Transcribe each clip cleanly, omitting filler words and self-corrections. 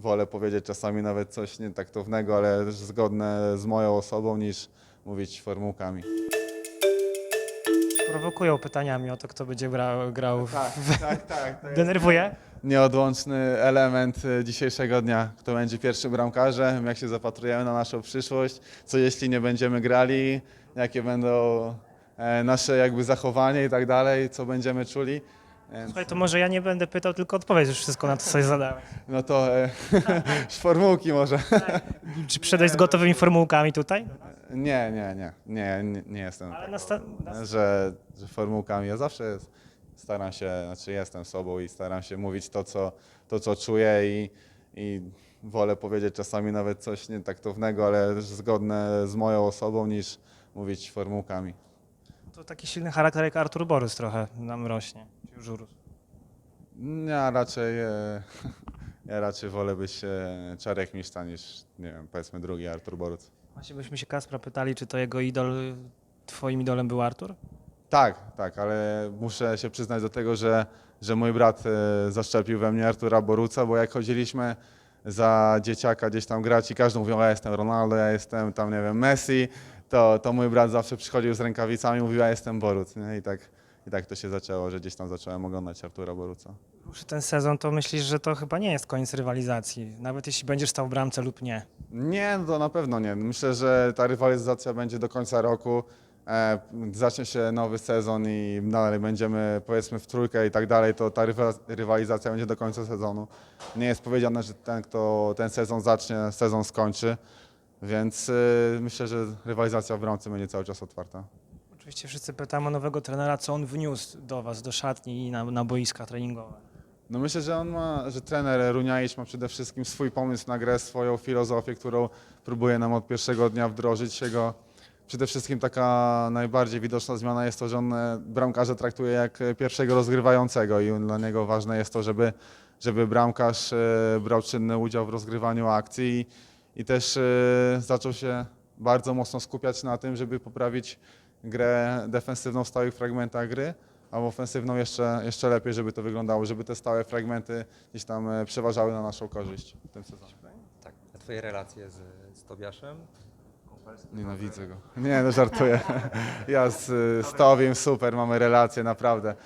wolę powiedzieć czasami nawet coś nietaktownego, ale też zgodne z moją osobą, niż mówić formułkami. Prowokują pytaniami o to, kto będzie grał. Tak. To jest Denerwuje? nieodłączny element dzisiejszego dnia. Kto będzie pierwszym bramkarzem, jak się zapatrujemy na naszą przyszłość, co jeśli nie będziemy grali, jakie będą nasze jakby zachowanie i tak dalej, co będziemy czuli. Więc, Słuchaj, to może ja nie będę pytał, tylko odpowiedz już wszystko na to, co zadałem. no to formułki może. Czy przyszedłeś z gotowymi formułkami tutaj? Nie jestem Ale że formułkami. Ja zawsze staram się, znaczy jestem sobą i staram się mówić to, co czuję i wolę powiedzieć czasami nawet coś nietaktownego, ale też zgodne z moją osobą, niż mówić formułkami. to taki silny charakter jak Artur Borys trochę nam rośnie. Czy już urósł? Ja raczej, ja raczej wolę być Czarek Miszta niż, nie wiem, powiedzmy drugi Artur Boruc. Właśnie byśmy się Kacpra pytali, czy to jego idol, twoim idolem był Artur? Tak, ale muszę się przyznać do tego, że mój brat zaszczepił we mnie Artura Boruca, bo jak chodziliśmy za dzieciaka gdzieś tam grać i każdy mówił, ja jestem Ronaldo, ja jestem tam, nie wiem, Messi, to mój brat zawsze przychodził z rękawicami i mówił, ja jestem Boruc. Nie? I tak to się zaczęło, że gdzieś tam zacząłem oglądać Artura Boruca. Ruszy ten sezon, to myślisz, że to chyba nie jest koniec rywalizacji, nawet jeśli będziesz stał w bramce lub nie. Nie, no to na pewno nie. Myślę, że ta rywalizacja będzie do końca roku. Zacznie się nowy sezon i dalej będziemy, powiedzmy, w trójkę i tak dalej, to ta rywalizacja będzie do końca sezonu. Nie jest powiedziane, że ten, kto ten sezon zacznie, sezon skończy, więc myślę, że rywalizacja w bramce będzie cały czas otwarta. Oczywiście wszyscy pytamy o nowego trenera, co on wniósł do was, do szatni i na boiska treningowe. No myślę, że trener Runiaić ma przede wszystkim swój pomysł na grę, swoją filozofię, którą próbuje nam od pierwszego dnia wdrożyć. Przede wszystkim taka najbardziej widoczna zmiana jest to, że on bramkarza traktuje jak pierwszego rozgrywającego i dla niego ważne jest to, żeby bramkarz brał czynny udział w rozgrywaniu akcji i też zaczął się bardzo mocno skupiać na tym, żeby poprawić grę defensywną w stałych fragmentach gry, a ofensywną jeszcze lepiej, żeby to wyglądało, żeby te stałe fragmenty gdzieś tam przeważały na naszą korzyść w tym sezonie. Tak, a twoje relacje z Tobiaszem? Nienawidzę go. Nie, no żartuję. Ja z Tobim super, mamy relacje, naprawdę.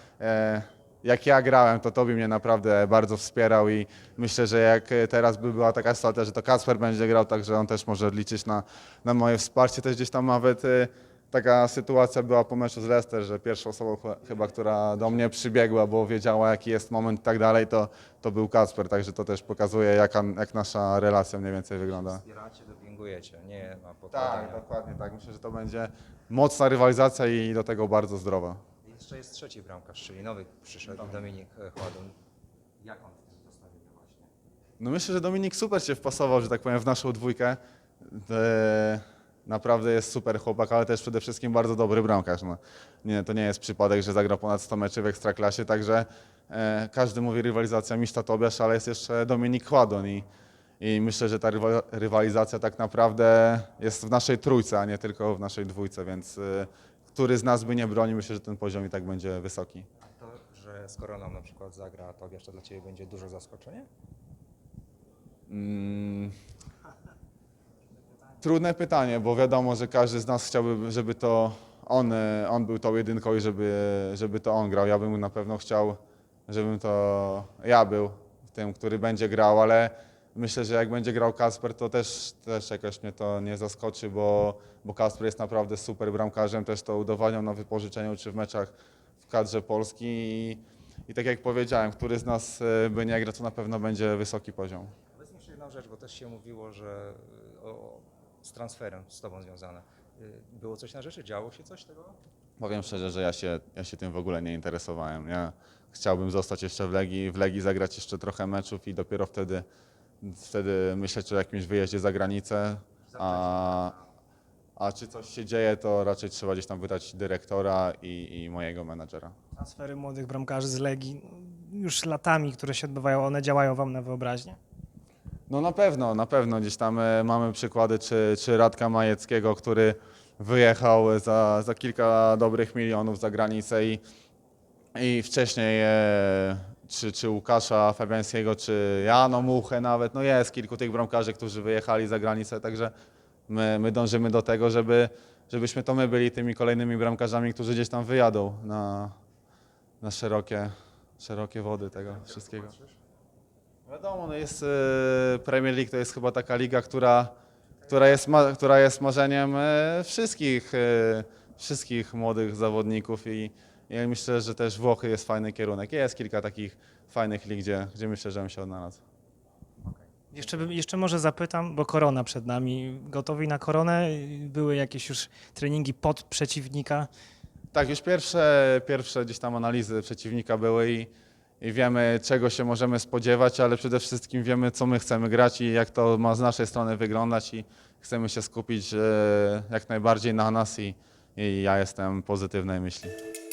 Jak ja grałem, to Tobi mnie naprawdę bardzo wspierał i myślę, że jak teraz by była taka sytuacja, że to Kacper będzie grał, także on też może liczyć na moje wsparcie. Też gdzieś tam nawet taka sytuacja była po meczu z Leicester, że pierwszą osobą chyba, która do mnie przybiegła, bo wiedziała jaki jest moment i tak dalej, to był Kacper, także to też pokazuje jak nasza relacja mniej więcej wygląda. Wspieracie, dopingujecie, nie ma Tak, podpadania. dokładnie tak. Myślę, że to będzie mocna rywalizacja i do tego bardzo zdrowa. Jeszcze jest trzeci bramkarz, czyli nowy przyszedł, Dominik Chładun. Jak on zostawił właśnie? No myślę, że Dominik super się wpasował, że tak powiem, w naszą dwójkę. Naprawdę jest super chłopak, ale też przede wszystkim bardzo dobry bramkarz. No, to nie jest przypadek, że zagrał ponad 100 meczy w Ekstraklasie, także każdy mówi rywalizacja Miszta Tobiasz, ale jest jeszcze Dominik Chładon i myślę, że ta rywalizacja tak naprawdę jest w naszej trójce, a nie tylko w naszej dwójce, więc który z nas by nie bronił, myślę, że ten poziom i tak będzie wysoki. A to, że skoro nam na przykład zagra Tobiasz, to dla Ciebie będzie duże zaskoczenie? Trudne pytanie, bo wiadomo, że każdy z nas chciałby, żeby to on był tą jedynką i żeby to on grał. Ja bym na pewno chciał, żebym to ja był tym, który będzie grał, ale myślę, że jak będzie grał Kacper, to też jakoś mnie to nie zaskoczy, bo Kacper jest naprawdę super bramkarzem, też to udowadniał na wypożyczeniu czy w meczach w kadrze Polski i tak jak powiedziałem, który z nas by nie grał, to na pewno będzie wysoki poziom. Powiedz mi jeszcze jedną rzecz, bo też się mówiło, że z transferem z Tobą związane. Było coś na rzeczy? Działo się coś tego? Powiem szczerze, że ja się tym w ogóle nie interesowałem. Ja chciałbym zostać jeszcze w Legii zagrać jeszcze trochę meczów i dopiero wtedy myśleć o jakimś wyjeździe za granicę. A czy coś się dzieje, to raczej trzeba gdzieś tam wydać dyrektora i mojego menadżera. Transfery młodych bramkarzy z Legii, już latami, które się odbywają, one działają wam na wyobraźnię? No na pewno gdzieś tam mamy przykłady, czy Radka Majeckiego, który wyjechał za kilka dobrych milionów za granicę i wcześniej czy Łukasza Fabiańskiego, czy Jano Muchę nawet. No jest kilku tych bramkarzy, którzy wyjechali za granicę, także my dążymy do tego, żebyśmy to my byli tymi kolejnymi bramkarzami, którzy gdzieś tam wyjadą na szerokie wody tego wszystkiego. Wiadomo, no jest Premier League to jest chyba taka liga, która jest marzeniem wszystkich młodych zawodników i ja myślę, że też Włochy jest fajny kierunek. Jest kilka takich fajnych lig, gdzie myślę, że bym się odnalazł. Jeszcze może zapytam, bo korona przed nami. Gotowi na koronę? Były jakieś już treningi pod przeciwnika? Tak, już pierwsze gdzieś tam analizy przeciwnika były i wiemy, czego się możemy spodziewać, ale przede wszystkim wiemy, co my chcemy grać i jak to ma z naszej strony wyglądać i chcemy się skupić jak najbardziej na nas i ja jestem pozytywnej myśli.